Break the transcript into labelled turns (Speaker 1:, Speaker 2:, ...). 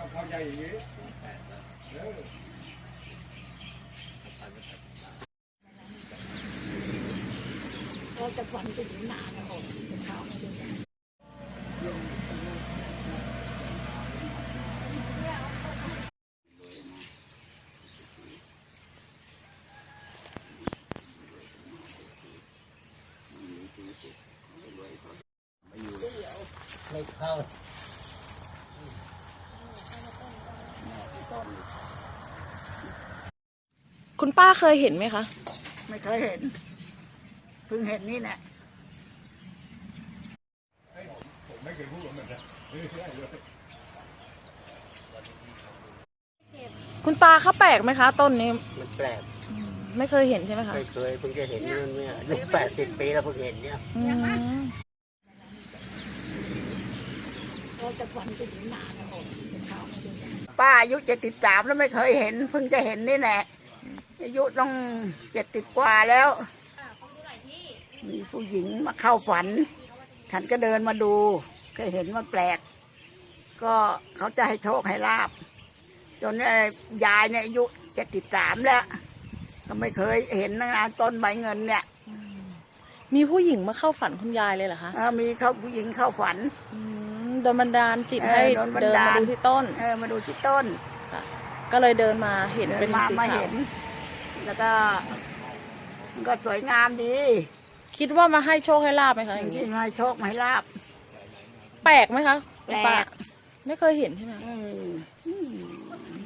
Speaker 1: เข้าใจอย่างนี้
Speaker 2: เราจะฝันถึงนานนะผมเช้าไม่ได้
Speaker 1: ไม่เข้า
Speaker 3: คุณป้าเคยเห็นไหมคะ
Speaker 2: ไม่เคยเห็นเพิ่งเห็นนี่แหละ
Speaker 1: ผมไม่เคยพูดเหมือนกัน
Speaker 3: คุณตาเขาแปลกไหมคะต้นนี้
Speaker 4: มันแปลก
Speaker 3: ไม่เคยเห็นใช่ไหมคะ
Speaker 4: ไม่เคยเพิ่งจะเห็นนี่เนี่ยอายุ80 ปีแล้วเพิ่งเห็นเนี่ย
Speaker 2: เราจะฝันถึงนานนะผมเช้าไม่ได้ป้าอายุ73แล้วไม่เคยเห็นเพิ่งจะเห็นนี่แหละอายุต้อง70 กว่าแล้วมีผู้หญิงมาเข้าฝันฉันก็เดินมาดูก็เห็นว่าแปลกก็เขาจะให้โชคให้ลาบจนยายเนี่ยอายุ73แล้วก็ไม่เคยเห็นนะต้นใบเงินเนี่ย
Speaker 3: มีผู้หญิงมาเข้าฝันคุณยายเลยเหรอคะ
Speaker 2: มีเขาผู้หญิงเข้าฝัน
Speaker 3: โดนบันดาลจิตให้เดินมาดูที่ต้น
Speaker 2: มาดูที่ต้น
Speaker 3: ก็เลยเดินมาเห็นเป็นสีขาว
Speaker 2: แล้วก็มันก็สวยงามดี
Speaker 3: คิดว่ามาให้โชคให้ลาบไหมคะ
Speaker 2: อย่างนี้มาให้โชคให้ลาบ
Speaker 3: แปลกไหมคะ
Speaker 2: แปลก
Speaker 3: ไม่เคยเห็นใช่ไหม